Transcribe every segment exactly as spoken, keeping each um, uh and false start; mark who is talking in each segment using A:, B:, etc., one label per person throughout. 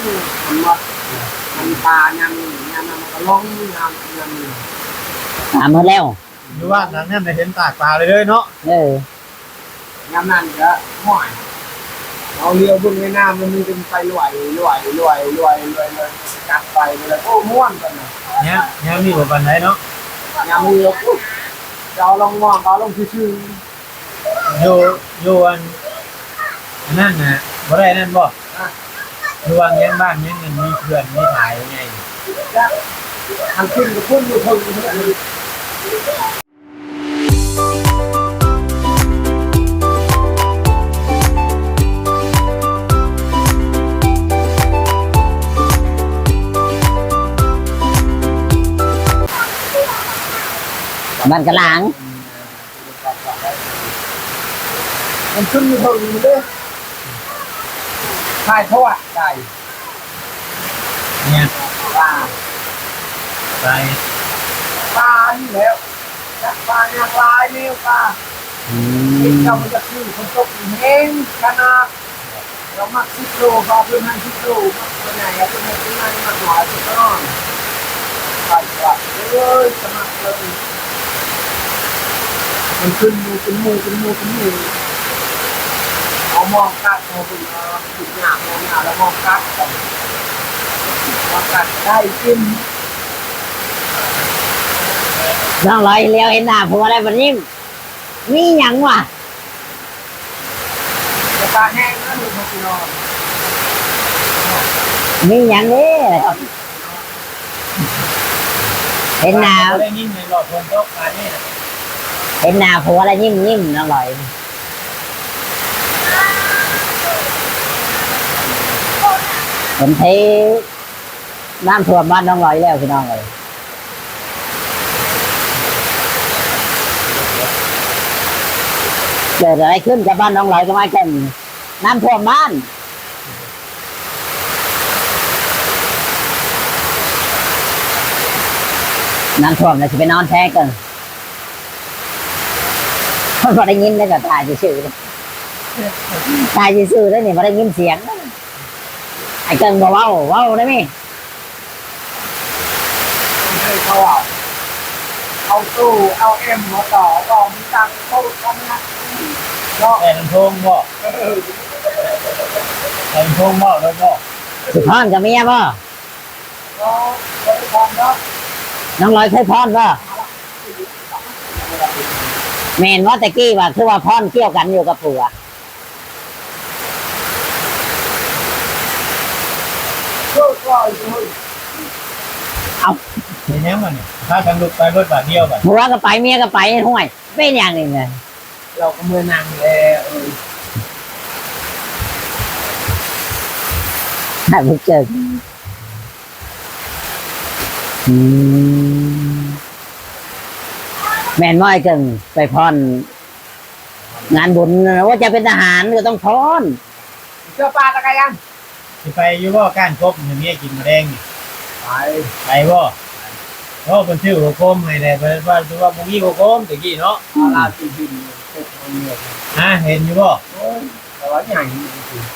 A: มันว่ามันปลายำยำมันก็ล้องยำยำ
B: ถามหมดแล้ว
C: อยู่ว่านั้นเนี่ยได้เห็นตากปลาเลยเด้อเนาะ
B: เออย
A: ำนั่นก็ห่วยเอาเรือบุญในน้ำมันมีเป็นไฟลอยลอยลอยลอยลอยเลยจับไปเลยโอ้ม่วนกันนะ
C: เนี่ยเนี่ยมีบ่ปานใดเนาะ
A: ยำเรือปุ๊บเราลองมองเราลองชื่อ
C: อยู่อยู่อันอันนั่นน่ะบ่ได้นั่นบ่อยู่วางยังบ้านยังเงินมีเพื่อนมีถ่ายไง
A: ทางขึ้นกับพุ่นอยู่พุ่นอยู่พุ่น
B: บ้านกะหลาง
A: มันขึ้นอยู่พุ่นอยู่เลยถ่ายทอดได้
C: เนี่ย
A: ปลา
C: ไป
A: ปลานี่แล้วจับปลาเนี่ยปลาเนี่ยปลา
B: อื
A: เด็ก
B: ม
A: เรามันจะขึ้นคนตกเองขนาดเรามักสิบโลก็เพื่อนให้สิบโลมักตัวไหนก็เพื่อนให้ตัวนั้นมักหน่อยตัวน้องไปกลับเลยสมัครเลยมันขึ้นมูเป็นมูเป็นมูเป็นมูเอามองกัดเอาไปเอาติดหยาบมองหยาบแล้วมองกัดกันมองกัดได้กิน
B: น้องลอยเลี้ยวเห็นหน้าผัวอะไรแบบนี้มีหยังวะ
A: จะตาแห้งนะลูกพี่น้อง
B: มีหยังนี่เห็นหน้า
C: บ่ได้ยินในรอบฝนตกปานนี้น่ะ
B: เห็นหน้าผัวอะไรยิ้มยิ้มน้องลอยผมเทน้ำท่วมบ้านน้องลอยแล้วพี่น้องเลยเกิดอะไรขึ้นกับบ้านน้องลอยก็ไม่แก่นน้ำท่วมบ้านน้ำท่วมเลยจะไปนอนแท้กันคนพอได้ยินได้ก็ตายซื่อๆตายซื่อๆแล้วนี่พอได้ยินเสียงไอ้เกิงบอกว่าว้าวได้ไหม
A: ให้เขาเอาเอาตู้เอาเอ็มมาต่อต่อมีตังค์เขาทำนะเนาะ
C: แต่ลำโพงบ่แต่ลำโพงบ่แล้วบ่
B: สุพรกับเมียป่ะ
A: เนาะเขาทำเนาะ
B: น้องลอยเคยพรป่ะเมนว่าตะกี้ว่าคือว่าพรเกี่ยวกันอยู่กับผัว
A: เพื่อก็อยู่
B: เอา
C: เห็นยังมันนี่ถ้ากันลุกไปรถบาทเดียวบัด
B: ผัวก็ไปเมียก็ไปห่วยเป็นอย่างหนึ่งเลย
A: เราก็เมื่อนั่งแล้ว
B: ถ้าบุกเจออืมแมนว่าไอ้เกิงไปพรงานบุญว่าจะเป็นทหารก็ต้องพร
A: เสื้อปลาตะไคร้ยัง
C: สิไปอยู่บ่ก้านครบให้เมียกินมะแดงนี่
A: ไป
C: ไปบ่โอ้เพิ่นชื่อหัวโคมให้ได้เพิ่นว่าคือว่าบ่มีหัวโคมตะกี้เนาะ
A: อาลาตีดินเก็บมันเนี่ย
C: ฮะเห็นอยู่บ่
A: โอ้ยแต่ว่าใหญ่จริง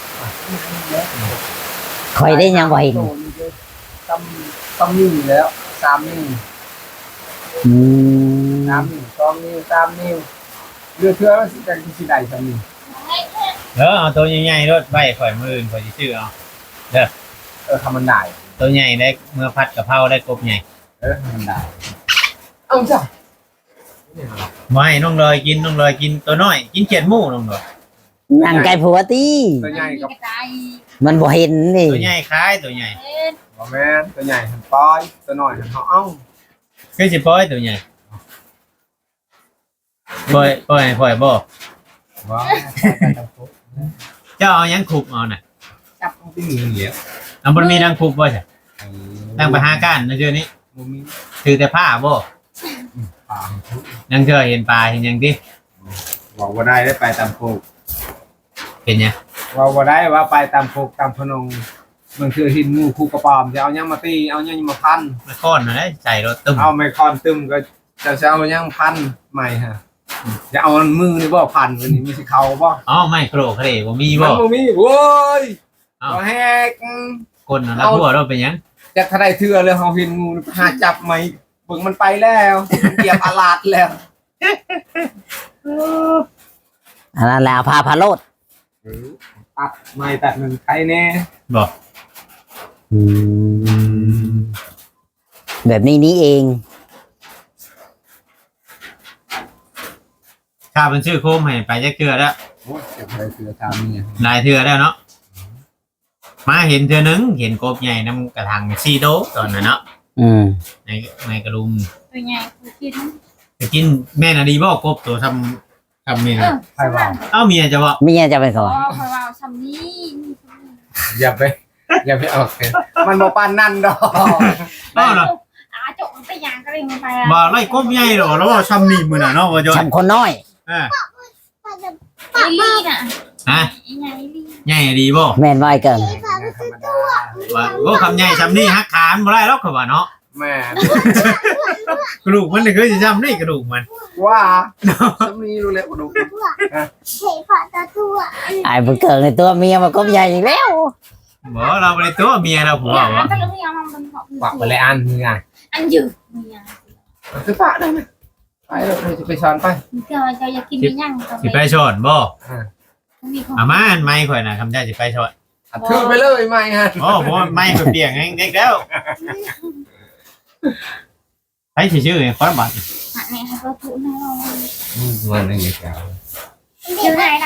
B: คอยได้ยังบ่เห็น
A: ตำตำนิ้วแล้วสามนิ้ว
B: อืม
A: สามนิ้วสองนิ้วสามนิ้วเรือเทือมันสิกันสิได้สามนิ้ว
C: เด้อเอาตัวใหญ่ๆรถไว้ข่อยมื้ออื่นข่อยสิซื้อเอา
A: เออทำมันได้
C: ตัวใหญ่ได้เมื่อพัดกะเพราได้กบใหญ่
A: เออทำมันได้เอาจ้ะ
C: บ่ให้น้องลอยกินน้องลอยกินตัวน้อยกินเขียดหมูน้องลอย
B: นั่งไกลผัวตี
A: ตัวใหญ่กับ
B: มันบ่เห็นนี่
C: ตัวใหญ่คล้ายตัวใหญ่
A: บอแม่นตัวใหญ่หันปอยตัวน้อยหันเขาเอ้า
C: คือสิปล่อยตัวใหญ่ปล่อยปล่อยให้ปล่อยบ่
A: ว้าว
C: เจ้าเอาหยังคุบเอาน่ะ
A: จับตรงที่มือเหลียว
C: เอาบ่มีนางคุบบ่ใช่ตั้งไปหาก้านนะเดี๋ยวนี้
A: มุมนี้
C: ถือแต่ผ้าบ่
A: ปลา
C: ยังเจอเห็นปลาเห็นหยังติ
A: บอกว่าได้ได้ไปตามโคก
C: เป็นหยัง
A: ว่าว่าได้ว่าไปตามโคกตามพนงมันคือหินงูคู่กระปอมจะเอายังมาตีเอายังมาพัน
C: มาค้อนน่ะได้ใส่รถตึ้ม
A: เอาไมคอนตึมก็จะจะเอายังพันใหม่ฮะจะเอามือนี่บ่พันวันนี้ไม่ใช่เขาบ่
C: อ๋อไม่โครเครบ่มี
A: มั
C: บ่
A: นบ่มีโว้ย
C: เอ้า
A: บ่แฮก
C: คนน่ะแล้วหัวเราเป็นหยัง
A: จากทนายเทือเลยเฮาเห็นงูหาจับไหมเบิ่งมันไปแล้วมันเหยียบอาลาดแล้ว
B: อันนั้นแหละพาพาโลด
A: ตัดไม่ตัดหนึ่งใครแน่
C: บอก
B: อืมแบบนี้นี้เอง
C: ข้าเป็นชื่อโคมให้ไปจักเทื่อแล้ว
A: โอ้ยจากทนายเทือทำเนี่ย
C: หลายเทื่อแล้วเนาะมาเห็นเทื่อนึงเห็นกบใหญ่น้ำกระถางซีโดตอนนั้นเนาะ
B: อืม
C: ในในกระลุม
D: ตัวใหญ่กูกิน
C: จะกินแม่นาดีบอกกบตัวทำทำเมนู
A: ใครว่า
C: เอ้าเมียจะบอก
B: ไม่งั้นจะเป็น
D: อ๋
B: เขา
D: อคอยว่าทำนี่
A: อย่าไปอย่าไปออกเลยมันบ่ปานนั่นดอก
C: เอ้าเนาะ
D: อาจกมันไปยางก็เลยมันไป
C: บ่ไล่กบใหญ่หรอแล้วว่าทำนี่มือน่ะเนาะว่าจอย
B: ทำคนน้อย
C: อ่า
D: ไอ้ลี่น่ะ
C: ฮะ
D: ไอ้ใหญ่ลี่
C: ใหญ่ดีบ่
B: แม่นไว้เกิน
A: ธรรมดา
C: ว่าโอ้คำใหญ่ทำนี่ฮักขานบ่ได้หรอกเขาว่าเนาะ
A: แม่
C: กระดูกมันนี่คือจะทำนี่กระดูกมัน
A: ว่าจะมีรู้แล้วดู
B: ไอ้บุญเกิดในตัวเมียมันก็ใหญ่อีกแล้ว
C: บ่เราไปตัวเมียเราผัว
D: อย่าว
C: ะ
D: ก็เลยไม่ยอมมันบอก
A: ปากไปเลยอันนี่ไง
D: อันยืดเมีย
A: คือปะได้ไหมไปเลยจะไปสอนไป
D: เจ้าเจ้าอยากกินไม่ยั่งก็
C: สิไป
D: ไม่
C: ชอนบ่
D: มีคน
C: อามาอันไม่ข่อยน่ะคำใจสิไปชอน
A: ถือไปเลยไม่ฮะ
C: โอ้บ่ไม่ข่อยเปียกเองเด็กแล้วไอ้สิชื่อไอ้คนบัด
D: หันเนี่ยให้เขาถูให้เรา
A: มันอะไรกัน
D: ชื่อไหนน่ะ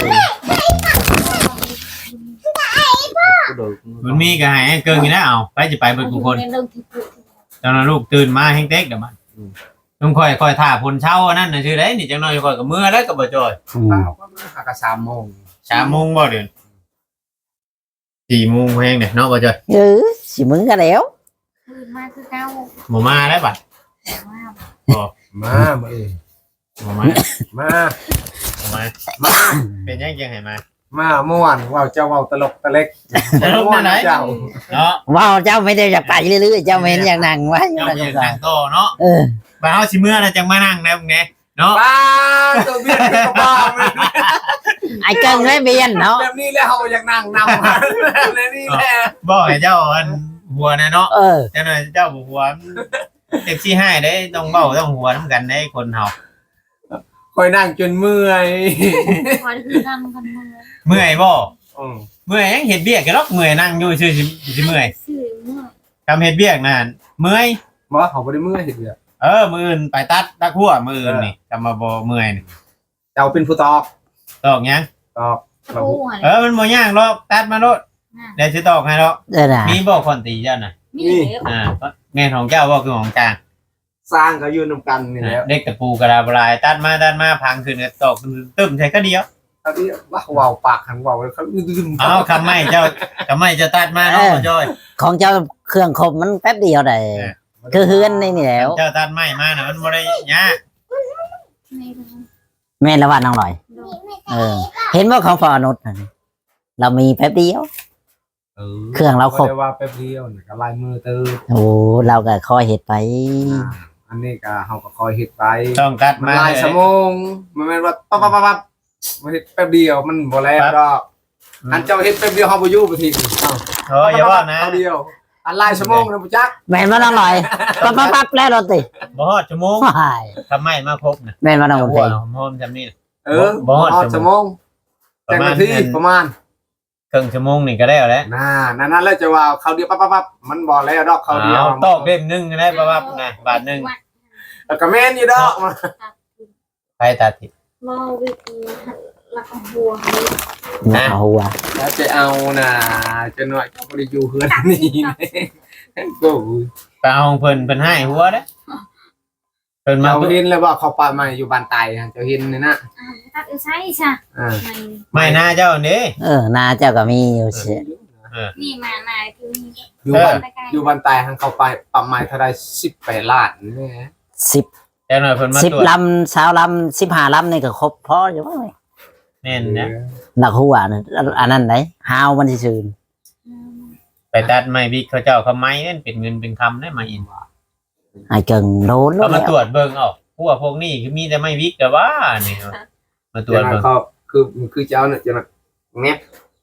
C: มันมีก็ให้ไอ้เกิงอยู่นะเอาไปสิไปเบิดทุกคน
D: เรื่องที่พูด
C: ตอนนั้นลูกตื่นมาแฮงเต็กเดี๋ยวมันต้องคอยคอยท่าพลเช้าอันนั้นน่ะชื่อไดนี่จังน้อยคอยกับมือแล้วก็บ่จอย
B: อืม
A: เปล่าก็ไม่หากระสามโมง
C: สามโมงบ่เดือนสี่โมงแฮงเนี่ยเนาะบ่จอย
B: เออสิมึงก็แล้ว
D: คืนมาคือเก้า
C: บ่มาแล้วบัด
D: แต่ว่า
C: บ่
A: มามาเอง
C: บ่มา
A: มา
C: บ่มา
A: มา
C: เป็นยังจังให้มา
A: มาเมื่อวานว่าวเจ้าว่าวตลกตะเล็ก
C: ตลกไหน
A: เจ้า
C: เนาะ
B: ว้าวเจ้าไม่ได้อยากไปเรื่อยๆเจ้าเมนอยากนั่งไว้
C: เจ้ามีนั่งโตเนาะ
B: เออ
C: บ่เฮาสิเมื่อน่ะจังมานั่งนะพวกนี้เนาะ
A: ป้าตัวเบี้ยกับบ้าเลย
B: ไอ้เกิงไม่เบียนเนาะ
A: แบบนี้แล้วเขาอยากนั่งนำแบบนี้แหละ
C: บ่ให้เจ้าอันหัวนะเนาะ
B: เออ
C: เจ้าหน่อยเจ้าบ่หัวเจ็บสิให้ได้ต้องเว้าต้องหัวนํกันได้คนเฮา
A: คอยนั่งจนเมื่อย
D: คอยคือทำกันมือ
C: เมื่อยบ่
A: อืม
C: เมื่อยยังเฮ็ดเบียกกันหรอกเมื่อยนั่งอยู่ซื่อสิสิเมื่อย
D: สื่อเมื่อ
C: ทำเฮ็ดเบียกนั่นเมื่อย
A: บอกว่าเขาไม่ได้เมื่อยเห็นเดียว
C: เออมื้ออื่นไปตัดตักหัวมื้ออื่นนี่กำมาบ่เมื่อยนี่
A: เจ้าเป็นผู้ตอก
C: ตอกหยัง
A: ตอก
D: ตะปูอะไร
C: เออมันบ่ยากหรอกตัดมาโลดเดี๋ยวสิตอกให้หรอก
B: เออนะ
C: มีบ่คนตีเจ้าน่ะ
D: มีเหลือ
C: อ่าแม่นของเจ้าบ่คือของกลาง
A: สร้างเขาอยู่นำกันนี่แหล้ว
C: เด็กตะปูกระดาบลายตัดมาตัดมาพังขึ้นก็ตอกตึ้มใส่ก็เดียว
A: ตอนนี้ว่าว่าวปากหันว่าวเขาดึง
C: เอาคำไม่เจ้าคำไม่จะตัดมาเนาะพ่อจ้อย
B: ของเจ้าเครื่องคมมันแป๊บเดียวได้คือเฮือนนี่นี่แล้ว
C: เจ้าตัดไม่มาน่ะมันบ่ได้ยาก
D: ใน
B: แม่ละว่าน้องลอย
D: โดน
B: เออ เห็นว่าของฟอนุษนั่นเรามีแป๊บเดียว
A: เออ
B: เครื่องเราครบ
A: ได้ว่าแป๊บเดียวนี่ก็ลายมือเติม
B: โอ้เราก็คอยเห็ดไป
A: อันนี้ก็เฮาก็คอยเฮ็ดไป
C: ต้องตัด
A: มัน
C: มา
A: ลายสมองมันแม่นว่าปั๊บปั๊บปั๊บปั๊บมันเฮ็ดแป๊บเดียวมันบ่แล้วดอกอันเจ้าเฮ็ดแป๊บเดียวเฮาบ่อยู่บ่ทีอ้าว
C: โอ้ยอย่าว่านะ
A: แป๊บเดียวอันลายสมองนะบ่จัก
B: แม่นว่าน้องลอยปั๊บปั๊บปั๊บแล้วรถติ
C: บ่ฮอดชั่วโมง
B: ว้าย
C: ทำไมมาครบน่ะ
B: แม่นว่าน้อง
C: หั
B: เพ
C: ว
B: ลง
C: หอมจำนี่
A: เออ
C: บ่ฮอด
A: ฮอดสมอง
C: ป
A: จั
C: ระ
A: ง
C: มาณ
A: นาทีประมาณ
C: ครึ่งชั่วโมงนี่ก็ได้แล้ว
A: น่านั่นนั่นแล้วจะว่าเขาเดียวปั๊บปั๊บปั๊บมันบ่แล้วดอกเขาเดียว
C: เอาตอกเล่มหนึงก็ได้ประมาณนะบาทหนึง
A: แล้วก็แม่นอยู่ดอก
C: ไปตัดทิ
D: มอวิธีละของบัว
B: หน้าหัว
A: แล้วจะเอาน่ะจะหน่อยก็บ่ได้อยู่เฮือนนี่โอ้ย
C: ไปเอาของเพิ่นเพิ่นให้หัวเด้อเพิ่นมา
A: เจ้าเห็นแล้วว่าเขาปาใหม่อยู่บ้านไตฮะเจ้าเห็นนี่นะ
D: ตัดใช่ใช่
A: อ่า
C: ไม่น่าเจ้านี่
B: เออหน้าเจ้าก็มีอยู่เสีย
D: นี่มานายคือ
A: อยู่บ้านอยู่บ้านไตทางเขาไปปาใหม่เท่าใดสิบแปดล้านนี่
B: สิบ
C: แต่หน่อยเพิ่นมา
B: สิบ
C: ตรวจ
B: ลำสาวลำสิบห้าลำนี่ก็ครบพออยู่มั้ง
C: แน่นนะ
B: หนักหัวนะอันนั้นไหนฮาวมันสิซื่น
C: ไปตัดไม้บิ๊กเขาเจ้าเขาไม้นั่นเป็นเงินเป็นคำได้มาอิน
B: ไอ้เกิงโดนแล้
C: เขา
B: ว
C: มาตรวจเบิ่งเอาพวกพวกนี้คือมีแต่ไม้บิ๊กแต่ว่านี่มาตรวจ
A: จะ
C: เบิ่ง
A: เขาคือคือเจ้าเนี่ยจะแงบ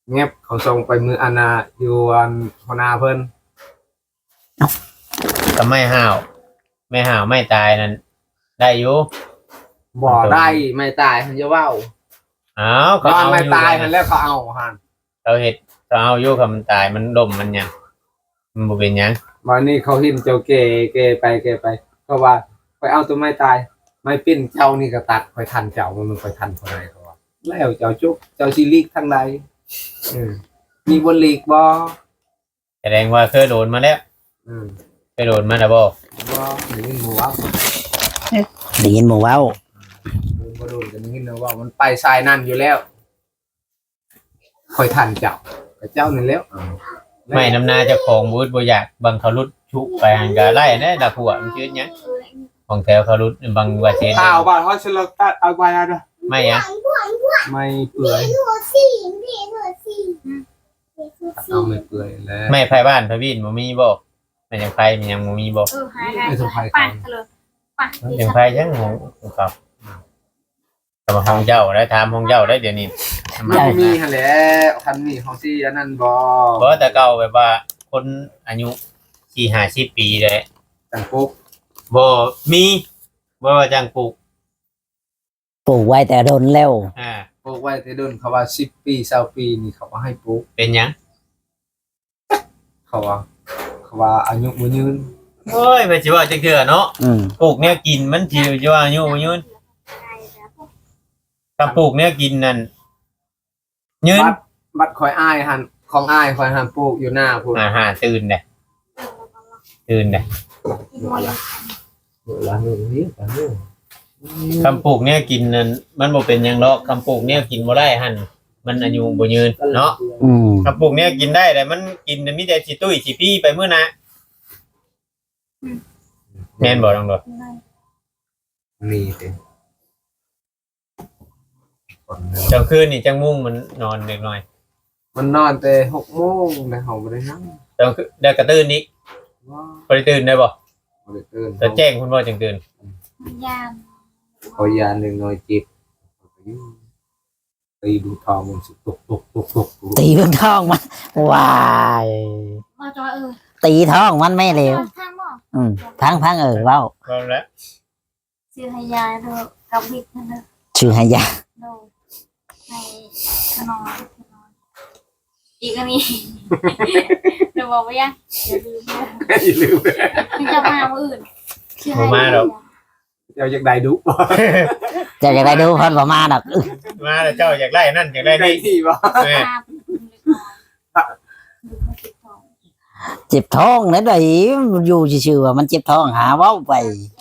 A: เงียบเขาส่งไปมืออานาอยู่อันหัวหน้าเพิ่น
C: ก็ไม่ห่าวไม่ห่าวไม่ตายนั่นได้อยู่
A: บ่ได้ไม่ตายหันจะเว้า
C: อ้าว
A: ตอนไม่ตาย
C: มั
A: หันแล้วเขาเอาหัน
C: เขาเห็ดเขาเอาอยู่กับมันตายมันดมมันหยังมันบ่เป็นหยัง
A: วันนี้เขาหินเจ้าเกเกไปเกไปเพราะว่าไปเอาตัวไม่ตายไม่ปิ้นเจ้านี่ก็ตัดไปทันเจ้ามันไปทันคนไหนเขาว่าแล้วเจ้าจุกเจ้าซีลีกทางใดอืมมีบนลีกบ่
C: แสดงว่าเคยโดนมาแล้ว
A: อืม
C: เคยโดนมาแล้วบ่
A: บ่หนึ่งหัว
B: ได้ยินหมู่เว้า
A: โดนบ่โดนกันนี่นะว่ามันไปสายนั่นอยู่แล้วคอยทันเจ้ากับเจ้านี่แล้ว
C: ไม่น้ำหน้าเจ้าของบูธบ่อยากบางเขารุดชุบไปหันก็ไล่นะดักหัวมันชื่อหยังของแถวเขารุดบางว่าเช่น
A: ข้าวบ้านเขาสิลตัดเอาไปอ่ะนะ
C: ไม่อะ
A: ไม่เปื่อยเอาไม่เปื่อยแล้ว
C: ไม่ไผบ้านไผวินบ่มีบ่มันยังไผมันยังบ่มีบ่
D: เออหายได้ไปเลยไป
C: ยังไผยังของของเขาแต่ว่าห้องเจ้าได้ถามห้องเจ้าได้เดี๋ยวนี้
A: มันบ่มีหั่นแหละคันนี้เขาสิอันนั้นบ่
C: เพราะแต่เก่าแบบว่าคนอายุสี่ห้าสิบปีเลย
A: จังปุ๊บ
C: บ่มีบ่ว่าจังปลูก
B: ปลูกไว้แต่โดนแล้ว
C: อ่า
A: ปลูกไว้แต่เดินเขาว่าสิบปีเก้าปีนี่เขาก็ให้ปลูก
C: เป็นหยัง
A: เขาว่าเขาว่าอายุบ่ยืน
C: โอ้ยไปสิว่าจังเทื่อเนาะ
B: อืม
C: ปลูกแนวกินมันสิสิว่าอายุบ่ยืนถ้าปลูกแนวกินนั่นยืน
A: บัดบัดคอยอ้ายหั่นของอ้ายคอยหั่นปลูกอยู่หน้าพุ่น
C: อาหารตื่นเด้ตื่นเด้
A: เวลานี้นี่กันนี่
C: คำปลูกแนวกินนั่นมันบ่เป็นหยังหรอกคำปลูกแนวกินบ่ได้หั่นมันอายุบ่ยืนเนาะ
B: อืม
C: คำปลูกแนวกินได้แต่มันกินมีแต่สิตุ้ยสิปี้ไปมื้อนะแม่นบ่น้องดอก
A: นี่สิคน
C: เจ้าคืนนี่จังมุ่งมันนอนเล็กน้อย
A: มันนอนแต่หกโมงแต่เขาบ่ได้นั่ง
C: เจ้าคือได้กระตื่นอีก
A: ว้า
C: บ่ได้ตื่นได้บ่
A: บ่ได้ตื่น
C: จะแจ้งคุณบ่จังตื่น
D: ยาม
A: ขอยาหนึ่งหน่อยจิตตีดูทองมันสิตกตกตกตก
B: ตีเบิ่งท้องมันวาย
D: มาจอยเออ
B: ตีท้องมันไม่เร็ว
D: ทางบ่
B: อืมพังพังเออเว้า
C: พร้อมแล้ว
D: ซื้อให้ยายเถอะกับบิ๊กนั่นเถอะ
B: ชื่อให้ยา
D: โดให้ขนมอีกอันนี้เดี๋ยวบอกว่ายังอย่าลืมนะ
A: อย่าลืม
D: มันจะมามื้ออื่นชื่อให้
A: เจ้าอยากได้ดุ
B: เจะอยากได้ดูเพิ่นบ่มาดอกอื้อ
C: มาแล้วเจ้าอยากได้นั่นอยากได้
A: ได้
C: นี่
A: ที่บ่
C: แม่
B: เจ็บท้องนั่นได้อยู่ซื่อๆว่ามันเจ็บท้องหาเว้าไป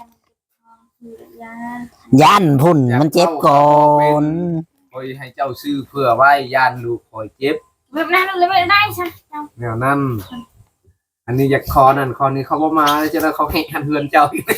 B: ย่านพุ่นมันเจ็บก่อน
A: คอยให้เจ้าซื้อเพื่อไว้ยานลูกคอยเจ็บ
D: แบบนั้นเลยไม่ได้ใช่
A: แนวนั้นอันนี้อยากคอนั่นคอนี้เขาบ่มาจะได้เขาแข่งหันเฮือนเจ้าอีก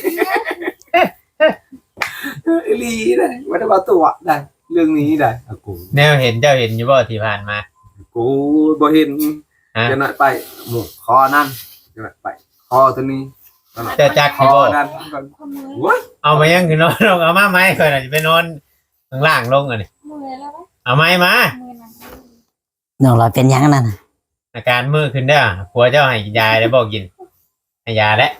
A: อีหลีได้บ่ได้ว่าตัวได้เรื่องนี้ได้อะกู
C: แนวเห็นเจ้าเห็นอยู่บ่ที่ผ่านมา
A: กูบ่เห็น
C: ฮะ
A: จะหน่อยไปหมู่คอนั่นจะหน่อยไปคอตัวนี้
C: เจ้าจัก
A: ค
C: ที่
A: อ
C: บ่
A: นั่น
D: คนมือ
A: โอ้ย
C: เอามายังคือนอนลงเอามาไหมค่อยน่ะสิไปนอนข้างล่างลงอ่ะนี่
D: มือแล้วไหม
C: เอาไม้มา
D: มือนั้น
B: น้องลอยเป็นหยังนั่นน่ะ
C: อาการมือขึ้นเด้อผัวเจ้าให้ยาแล้วบ่กินให้ยาแล้ว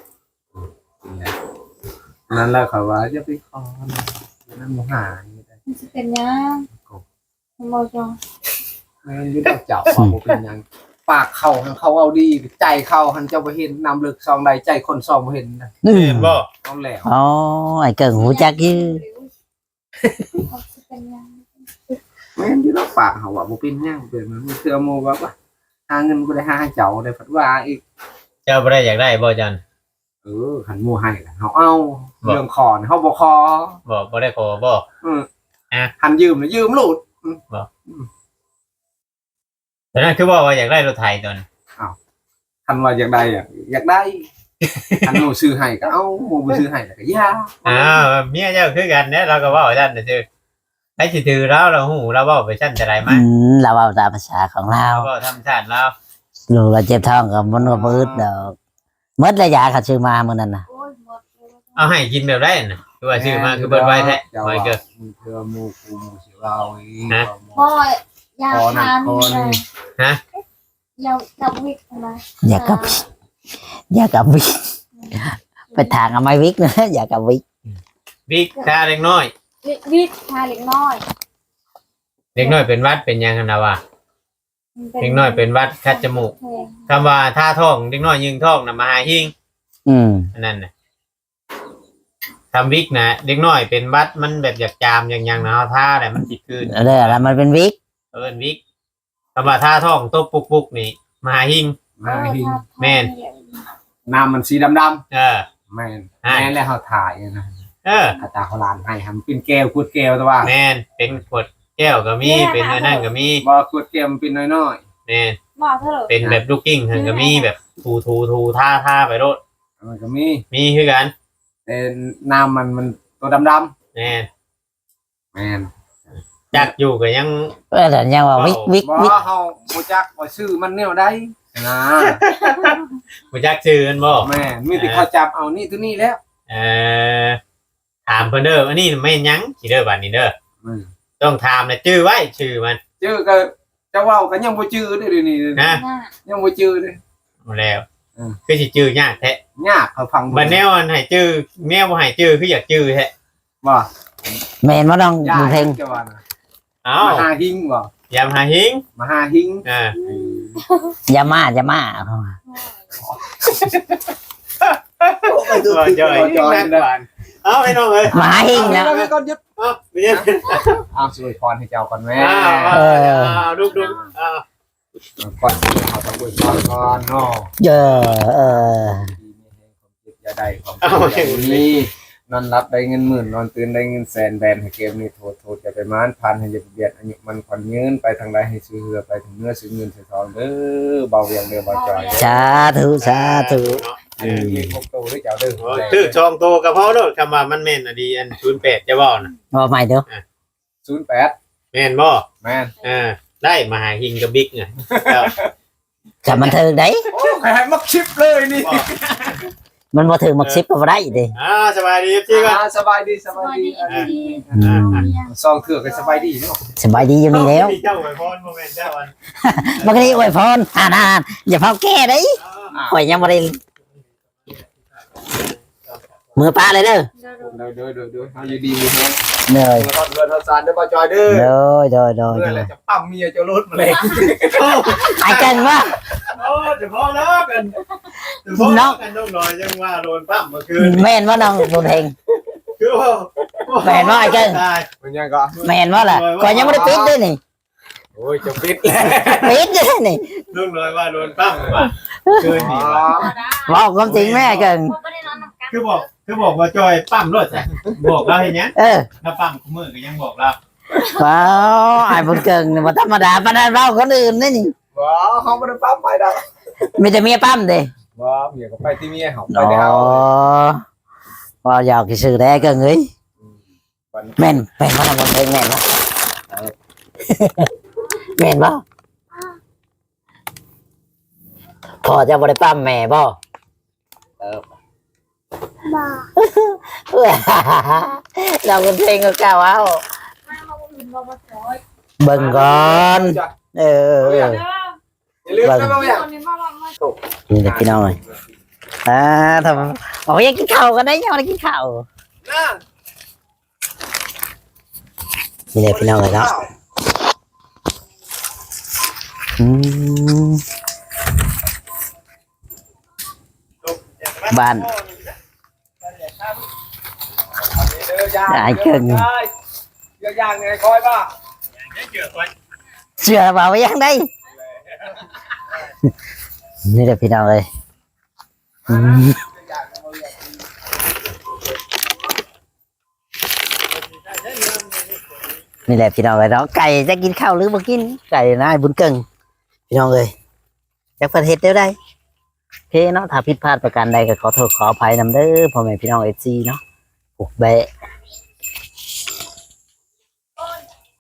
A: นั่นแหละเขาว่าจะไปคอนั่นบ่หาย
D: มันจะเป็นยังบอกจง
A: แม่นอยู่ดอกเจ้าว่าบ่เป็นหยังปากเข้าหันเขาเอาดีใจเข้าหันเจ้าบ่เห็นนำลึกซองใดใจคนซองบ่เห็นนะ
B: อืม
C: เห็นบ่
A: เอาแล้ว
B: อ๋อไอ้เกิ่งหูจักอยู่
D: จะเป็นยัง
A: แม่นอยู่ดอกปากเขาว่าบ่เป็นหยังเป็นมันเทื่อโมว่าว่าหาเงินบ่ได้หาให้เจ้าได้พัดว่าอีก
C: เจ้าบ่ได้อยากได้บ่จัน
A: เออหันหมู่ให้ล่ะเฮาเอาเรื่องขอนี่เฮาบ่ขอ
C: บ่บ่ได้ขอบ่
A: อือ
C: อ่ะ
A: หันยืมน่ะยืมโลด
C: แต่นั่นคือว่าว่าอยากได้รถไถตัวนั้น
A: คันว่าอยากได้อะอยากได้คันหมู่ซื้อให้ก็เอาหมู่บ่ซื้อให้ก็อย่า
C: อ้าวเมียเจ้าคือกันเนี่ยเราก็เว้าซั่นน่ะซื่อให้สิถือเราเราฮู้เราเว้าไปซั่นจะได้มั้
B: อื
C: ย
B: มเราเอาตามภาษาของเรา
C: เราก็ธรรมชาติเรา
B: ลูกเราเจ็บท้องกับมันก็มืดดอกหมดระยะเขาซื้อมามื้อนั้นน่ะ
D: โอ้ยหมด
C: เอาให้กินแบบได้น่ะคือว่าซื้อมาคือเบิดไว้แท้
A: เจ้า
C: ไว้
A: ว่า
C: เกิด
A: มึงเทื่อหมู่กูหมู่สิเราอีก
C: ฮะ
D: พ่อยา
A: คอหนั
D: ทาก น
A: คอนี่
C: ฮะ
D: ยากับวิกอะไร
B: อย่ากับอย่ากับวิกไปทางเอาไม้วิกนะอย่ากับวิก
C: บิ๊กตาเล็กน้อย
D: วิกวิกทาเล็กน้อย
C: เล็กน้อยเป็นหวัดเป็นหยังกันนะวะ
D: มั
C: เด็กน้อยเป็นหวัดคัดจมูก คำว่าท่าท้องเด็กน้อยยิงท้องน่ะมาหาหิง
B: อืม
C: อันนั้นน่ะทำวิกนะเด็กน้อยเป็นหวัดมันแบบอยากจามอย่างยังนะเอาท่าแต่มันจิตคืน
B: เด้อแล้วมันเป็นวิก
C: เอิ้นวิกคำว่าท่าท้องตบปุกปุกนี่มาหาหิง
A: มาหิง
C: แม่น
A: น้ำมันสีดำ
C: เออ
A: ๆแม่น
C: อ่า
A: แม่นแล้วเขาถ่ายนะ
C: เออ
A: อาตาเขาลานให้ทำเป็นแก้วขวดแก้วแต่ว่า
C: แมนเป็นขวดแก้วก็มีเป็นอันนั่นก็มี
A: บ่ขวดแก้วมันเป็นน้อย
C: แมน
D: บอกเถอะ
C: เป็นแบบลูกกิ้งก็มีแบบทูทูทูท่าท่าไปโลด
A: ๆมันก็มี
C: มีคือกัน
A: แต่น้ำมันมันตัวดำ
C: แมน
A: ๆแม่น
C: จักอยู่ก็ยัง
B: เออแต่ยังว่าวิกวิก
A: บ่
B: วิก
A: เฮาบ่จักว่าชื่อมันแนวใดนะ
C: บ่จักชื่อกันบ่
A: แม่นมีแต่เขาจับเอานี่ตัวนี้แล้ว
C: เอ่อถามเพิ่นเด้ออันนี้ไม่นหยังสิเด้อบัดนี้เด้อ
A: อืม
C: ต้องถามนะชื่อไว้ชื่อมัน
A: ชื่อก็จะเว้าก็ยังบ่ชื่อเด้อเดี๋ยวนี้
C: นะ
D: หน้า
A: ยังบ่ชื่อเด้อ
C: เอาแล้ว
A: อืม
C: คือสิชื่อยากแท้
A: ยากเขาฟัง
C: บัดแนวอันให้ชื่อแนวบ่ให้ชื่อคืออยากชื่อแท้
A: บ่
B: แม่นบ่น้อง
A: ยา
B: บุ
A: ก
B: ญเพ็ง
A: จะว่านะ
C: เอ้าม
A: หาหิงบ่
C: ยามหาหิง
A: มหาหิง
C: อ่า
B: อย่ามาอย่ามา
C: ตัวจอยนักกว่าเอาไอ้น้องเอ้ย
B: หมาหิ้งนะ
A: เอาไปก่อนยึด
C: เอาไปเย็น
A: เอาสวยพรให้เจ้าก่อนแม่
C: อ้าวอ้าวอ้าวดุกดุกอ้าว
A: ก่อนเขาต้องอวยพรก่อนเนาะ
B: เออเออ
A: อย่าได้ของอย่างนี้นอนรับได้เงินหมื่นนอนตื่นได้เงินแสนแบนให้เกมนี้โทษโทษจะไปมานพันให้จะเบียดอายุมันขวัญยืนไปทางใดให้ซื้อเรือไปถึงเนื้อซื้อเงินซื้อทองเด้อเบาเวียงเด้อเบาจอย
B: สาธุสาธุ
A: เออมีพวกโตหรือเจ้าเด้อ
C: ชื่อชองโตกับพ่อโลดคำว่ามันแม่นอดีอันศูนย์แปดจะบอกนะ
B: ว่าใหม่เด้อ
A: ศูนย์แปด
C: แม่นบ่
A: แม่น
C: อ่าได้มาหาหิงกับบิ๊กไง
B: จะมันถึงได้
A: โอ้ใครให้มักชิปเลยนี่
B: มันบ่ถึงมักซิบก็บ่ได้ดิ
C: อ่าสบายดีพี่ก็
A: อ่าสบายดีส
D: ส
A: บาย
D: วัส
A: ดี
D: ดีเอฟซี
B: อืม
A: ซองเถื่อกันสบายดีเนาะ
B: สบายดีอยู่นี่แล้ว
C: เจ้าไว้พรโมเมนต์เจ้าวัน
B: มันก็ได้อวยพรอ่านอ่านอย่าเฝ้าแก้เด้ข่อยยังบ่ได้มือป้าเลยเด้อ
A: เด้อเด้อเด้อเด้อเฮาอยู่ดีมีแฮง
B: เหนื่อย
A: เงินเงินเฮาซานเด้อบ่จอยเด้อ
B: โดยโดยโดย
A: เพื่อ
B: โด
A: อะไร
B: ย
A: จะปั๊มเมียจะลดมาเลย
B: ไอ้เก่งว่า
C: โอ้จะพ่อเลิกกันจะพ่อเลิกกันต้องหน่อยยังว่าโดนปั้มเมื่อคืน
B: แม่นว่าน้องบุญเฮง
C: คือว่า
B: แม่นว่าไอ้เก่ง
A: มันยังก็
B: แม่นว่าล่ะข่อยยังบ่ได้ปิดเด้อนี่
A: โอ้ยจะปิดแล้ว
B: ปิดเด้อนี่
C: ต้องหน่อยว่าโดนปั้มว่ะคืนนี้ว่ะ
B: บอกความจริงแม่เก่ง
D: ไม่ได้นอนนำกัน
C: คือบอกคือบอกว่าจอยปั้มรถใช่บอกเราเห็นเนี้ย
B: เออ
C: ถ้าปั้มมือก็ยังบอกเรา
B: ว้าวไอ้บุญเก่งนี่บ่ธรรมดาปานนั้นเราคนอื่นนี่นี่
A: ว้าเขาไม่ได้ปั๊มไปดอก
B: มีแต่เมียปั้มเด้
A: ว้าเมียก็ไปที่เมียเขาไป
B: อ๋อ
A: ได้เอา
B: ว่าอยากสิซื้อได้เก่งเอ้ย
A: วัน
B: แม่นแม่นบ่ทำบุญเฮงแม่นบ่แม่นบ่พ่อจะบ่ได้ปั้มแม่บ่
A: เออ
D: บ้า
B: เราเป็นเพลงก็กล่าวเอา
D: มามาบุญมาบุญร้อย
B: เบิ่งก่อนเออ
A: อย่าลืมนะบางอย่าง
D: คนนี้มามามา
B: นี่เด็กพี่น้องเลยอ่าทำบอกว่าอยากกินข้าวกันได้ยังไม่ได้กินข้าวนี่เด็กพี่น้องเลยเนาะอืมบ้าน ได้เกิน
A: เยอะอย่างไงคอยป่ะ
B: เชื่อเปล่าว่ายังได้นี่เด็กพี่น้องเลยอืมนี่แหละพี่น้องเลยเนาะไก่จะกินข้าวหรือบ่กินไก่นะไอ้บุญเกิงพี่น้องเลยจากประเทศเดียวได้โอเคเนาะถ้าผิดพลาดประการใดก็ขอโทษขออภัยนำเด้อพ่อแม่พี่น้องเอซีเนาะปลุกแบะ